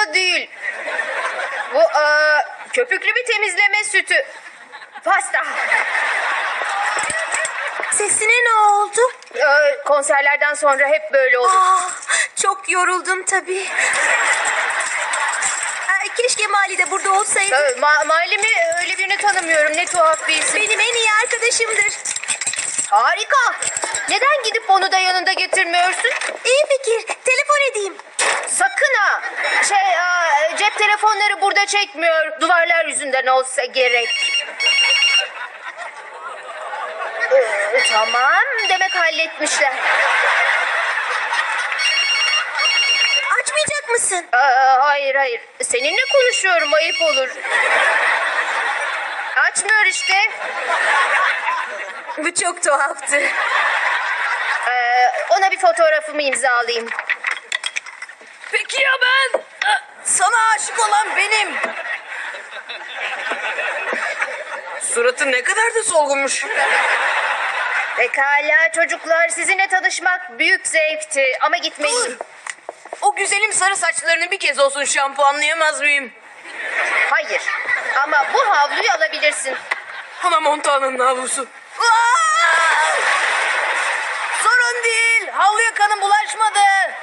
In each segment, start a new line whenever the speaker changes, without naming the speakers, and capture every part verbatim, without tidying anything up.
da değil. Bu aa, köpüklü bir temizleme sütü. Pasta.
Sesine ne oldu?
Ee, konserlerden sonra hep böyle olur.
Aa, çok yoruldum tabii. Aa, keşke Mali de burada olsaydı.
Ee, ma Malimi öyle birini tanımıyorum. Ne tuhaf bir isim.
Benim en iyi arkadaşımdır.
Harika. Neden gidip onu da yanında getirmiyorsun?
İyi fikir. Telefon edeyim.
Sakın ha. Şey, aa, cep telefonları burada çekmiyor. Duvarlar yüzünden olsa gerek. Ee, tamam. Demek halletmişler.
Açmayacak mısın?
Aa, hayır hayır. Seninle konuşuyorum. Ayıp olur. Açmıyor işte.
Bu çok tuhaftı.
Ee, ona bir fotoğrafımı imzalayayım.
Peki ya ben? Sana aşık olan benim. Suratı ne kadar da solgunmuş.
Pekala çocuklar, sizinle tanışmak büyük zevkti ama gitmeliyim.
O güzelim sarı saçlarını bir kez olsun şampuanlayamaz mıyım?
Hayır ama bu havluyu alabilirsin.
Hana Montana'nın havlusu. Sorun değil. Havluya kanım bulaşmadı.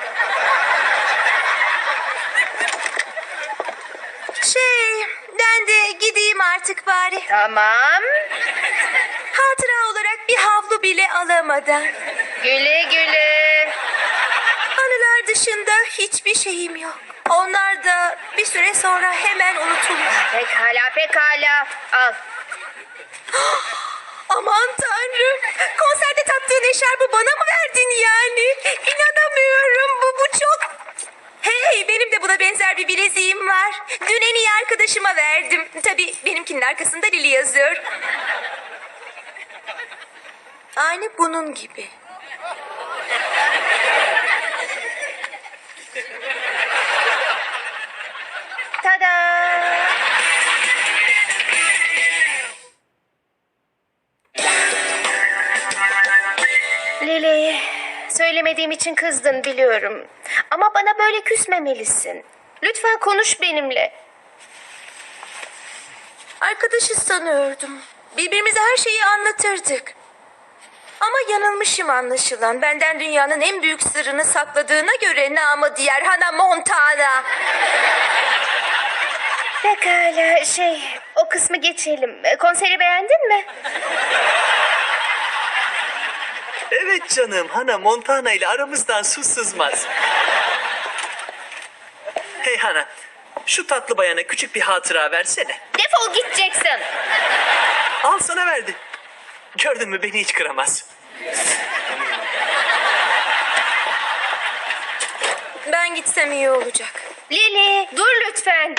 Şey, ben de gideyim artık bari.
Tamam.
Hatıra olarak bir havlu bile alamadan.
Güle güle.
Anılar dışında hiçbir şeyim yok. Onlar da bir süre sonra hemen unutulur.
Pekala pekala. Al.
Aman tanrım. Konserde taktığın eşarbı bana mı verdin yani? İnanamıyorum. Bu, bu çok... Hey, benim de buna benzer bir bileziğim var. Dün en iyi arkadaşıma verdim. Tabii benimkinin arkasında Lili yazıyor. Aynı bunun gibi.
Tada. Lili, söylemediğim için kızdın biliyorum. Ama bana böyle küsmemelisin. Lütfen konuş benimle.
Arkadaşız sanıyordum. Birbirimize her şeyi anlatırdık. Ama yanılmışım anlaşılan. Benden dünyanın en büyük sırrını sakladığına göre namı diğer Hana Montana.
Pekala şey, o kısmı geçelim. Konseri beğendin mi?
Evet canım, Hana Montana ile aramızdan su sızmaz. Hey Hana, şu tatlı bayana küçük bir hatıra versene.
Defol gideceksin.
Al sana verdi. Gördün mü, beni hiç kıramaz.
Ben gitsem iyi olacak.
Lili, dur lütfen.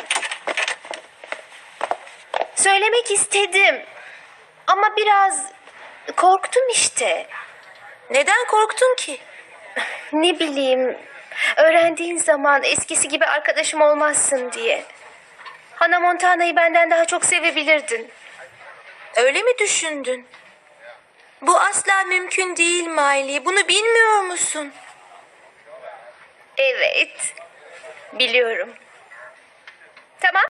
Söylemek istedim. Ama biraz korktum işte.
Neden korktun ki?
Ne bileyim, öğrendiğin zaman eskisi gibi arkadaşım olmazsın diye. Hana Montana'yı benden daha çok sevebilirdin.
Öyle mi düşündün? Bu asla mümkün değil Miley. Bunu bilmiyor musun?
Evet, biliyorum. Tamam.